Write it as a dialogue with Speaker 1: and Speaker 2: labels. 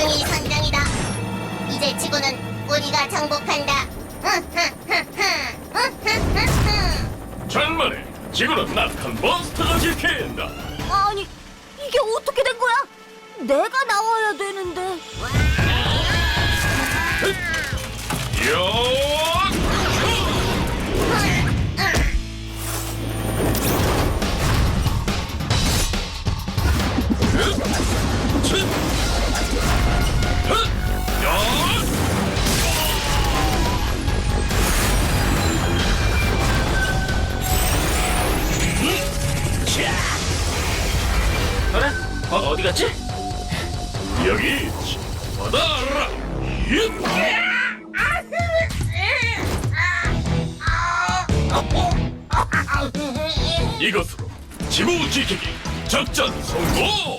Speaker 1: 승리 선장이다. 이제 지구는 우리가 정복한다.
Speaker 2: 천만에 지구는 낙한 몬스터가 지킨다.
Speaker 3: 아니, 이게 어떻게 된 거야? 내가 나와야 되는데.
Speaker 2: 요!
Speaker 4: 그래? 어디 갔지?
Speaker 2: 여기 있지. 받아라. 이것으로 지구 지키기 작전 성공!